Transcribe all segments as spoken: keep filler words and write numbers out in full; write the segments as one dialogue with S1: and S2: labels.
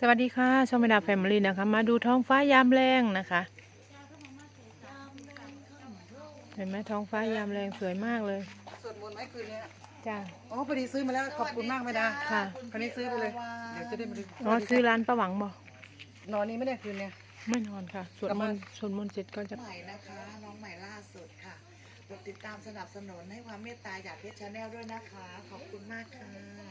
S1: สวัสดีค่ะช่องเมดาแฟมิลี่นะคะมาดูท้องฟ้ายามแรงนะคะเห็นไหมท้องฟ้ายามแรงสวยมากเลย
S2: สวดมนต์ไหมคืนนี้
S1: จ้า
S2: อ๋อพอดีซื้อมาแล้วขอบคุณมากไหมดา
S1: ค่ะ
S2: คันนี้ซื้อไปเลยเดี๋ยวจะได้มาดู
S1: อ๋อซื้อร้านประหวังบ่
S2: นอนนี้ไม่ได้คืนเนี่ย
S1: ไม่นอนค่ะสวดมนต์สวดมนต์เสร็จก็จะ
S3: ใหม่นะคะน้องใหม่ล่าสุดค่ะกดติดตามสนับสนุนให้ความเมตตาจากเพชรชาแนลด้วยนะคะขอบคุณมากค่ะ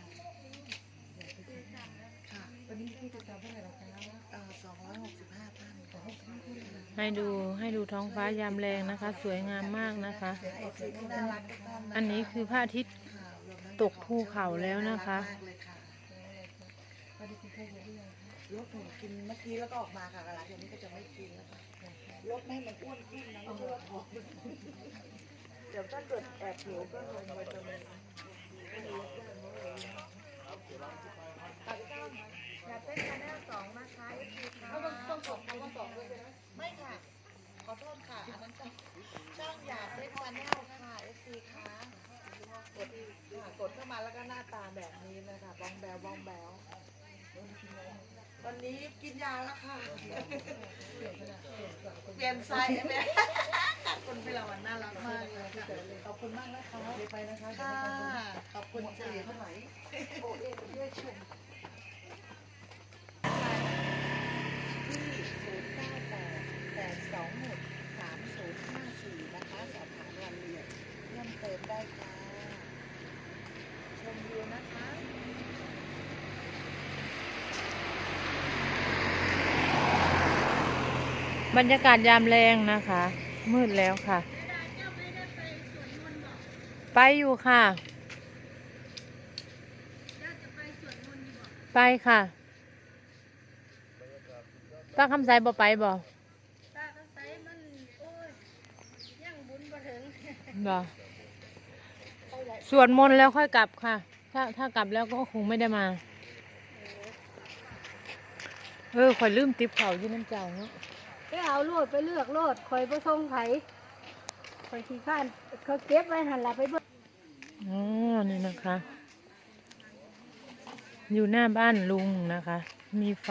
S3: ค่ะ
S2: ตอนนี้พี่จะจำเท่าไหร่หรอคะ
S3: เอ่อสองร้อยหกสิบห้าท่านค่ะ
S1: ให้ดูให้ดูท้องฟ้ายามแรงนะคะ สวยงามมากนะคะ
S3: เอฟซีที่น่ารักทุกท่านนะคะ
S1: อันนี้คือพระอาทิตย์
S3: ค่ะรวมทั้ง
S1: ตกภูเขาแล้วนะคะ
S3: น่ารักมากเลยค่ะลดหนูกินเมื่อกี้แล้วก็ออกมาค่ะหลังจากนี้ก็จะไม่กินแล้วค่ะลดไม่ให้มันอ้วนขึ้นนะไม่ใช่ว่าผอมเดี๋ยวถ้าเกิดแอบหิวก็ลงไปตรงนี้อยากเป็นชาแนลสองนะคะเอฟซีค่ะต้องบอกคำว่าสองด้วยใช่ไหมไม่ค่ะขอโทษค่ะอันนั้นช่องช่องอยากเป็นชาแนลค่ะเอฟซีค่ะกดค่ะกดเข้ามาแล้วก็หน้าตาแบบนี้เลยค่ะบองแบวบองแบววันนี้กินยาแล้วค่ะเปลี่ยนไซส์ไหมขอบคุณพี่ละวันน่ารักมากเลยค่ะขอบคุณมากนะคะ
S2: เดี๋ยวไปนะคะ
S3: ค่ะขอบคุณค่ะ
S2: เท่าไหร่
S3: โอเอเพื่อชมที่ศูนย์เก้าแปดแปดสองหกสามศูนย์ห้าสี่นะคะสอบถามรายละเอียดเพิ่มเติมได้ค่ะชมวิวนะคะ
S1: บรรยากาศยามแรงนะคะ มืดแล้วค่ะ ไปอยู่ค่ะ ไปค่ะป้าคำไสบ่ไปบ่บ่สวดมนต์แล้วค่อยกลับค่ะ ถ้าถ้ากลับแล้วก็คงไม่ได้มา เออข่อยลืมติ๊บเขาอยู่น้ำเจ้าเนาะ
S4: ไปเอาโลดไปเลือกโลดคอยไปส่งไผคอยขี้ข้านเขาเก็บไว้หันหลังไปเบิ่ง
S1: อ๋อนี่นะคะ อยู่หน้าบ้านลุงนะคะ มีไฟ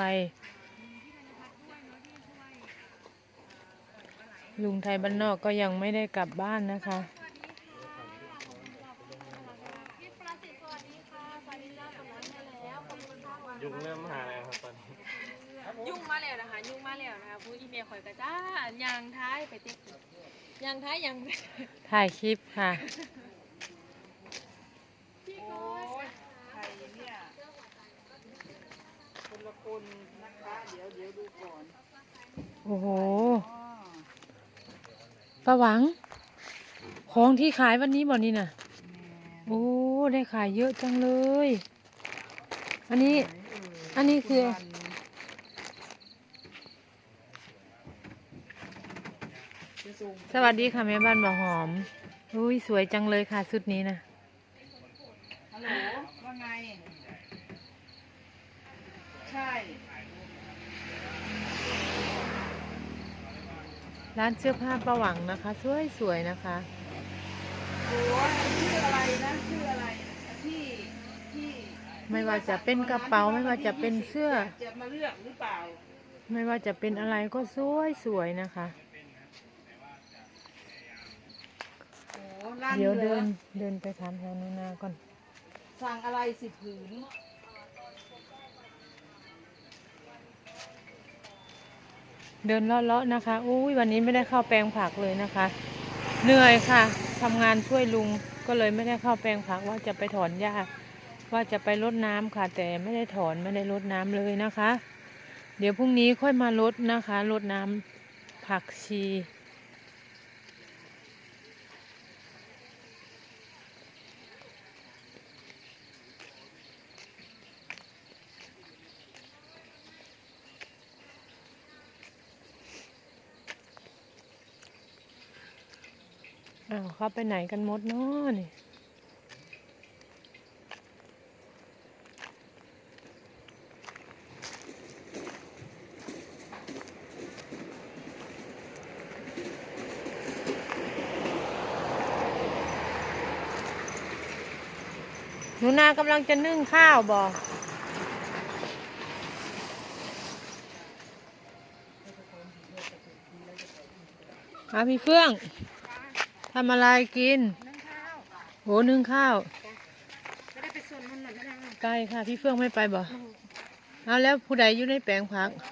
S1: ลุงไทยบ้านนอกก็ยังไม่ได้กลับบ้านนะคะ
S5: ยุงเริ่มหาแล้วครับตอนนี้
S6: ยุ่งมาแล้วนะคะยุ่งมาแล้วนะคะผู้อีเมลข่อยกระจ้ายางท้ายไปติ๊กยางท้ายยาง
S1: ถ่ายคลิปค่ะ
S2: ใครเนี่ยคนละคนนะคะเดี๋ยวเดี๋ยวดูก่อน
S1: โอ้โหป้าหวัง ของที่ขายวันนี้บ่นี่น่ะ โอ้ ได้ขายเยอะจังเลย อันนี้ อันนี้คือ สวัสดีค่ะแม่บ้านบ่อหอม อุ้ยสวยจังเลยค่ะชุดนี้นะ
S2: ฮัลโหลว่าไงใช่
S1: ร้านเสื้อผ้าป้าหวังนะคะ สวยสวยนะคะ
S2: โอ้ชื่ออะไรนะชื่ออะไรที่ที่
S1: ไม่ว่าจะเป็นกระเป๋าไม่ว่าจะเป็นเสื้อ
S2: จะมาเลือกหรือเปล่า
S1: ไม่ว่าจะเป็นอะไรก็สวยสวยนะคะ
S2: โอ้ร้าน
S1: เดี๋ยว
S2: เหลื
S1: เดิ
S2: อน
S1: เดินไปถามแถวนู้นนาก่อน
S2: สั่งอะไรสิผืน
S1: เดินเลาะๆนะคะอุ้ยวันนี้ไม่ได้เข้าแปลงผักเลยนะคะ เหนื่อยค่ะทำงานช่วยลุงก็เลยไม่ได้เข้าแปลงผักว่าจะไปถอนหญ้าว่าจะไปรดน้ำค่ะ แต่ไม่ได้ถอนไม่ได้รดน้ำเลยนะคะ เดี๋ยวพรุ่งนี้ค่อยมารดนะคะรดน้ำผักชีอ้าวเขาไปไหนกันหมดเนาะนี่หนูนากำลังจะนึ่งข้าวบอกอาพี่เฟื่องทำอะไรกิน
S3: นึ่งข้าว
S1: โหนึ่งข้าว
S3: ไม่ได้ไปส่วนมันหน่อยไม่ได้
S1: ไกลค่ะ พี่เฟื่องไม่ไปบ่เอาแล้วผู้ใดอยู่ในแปลงผัก
S3: เ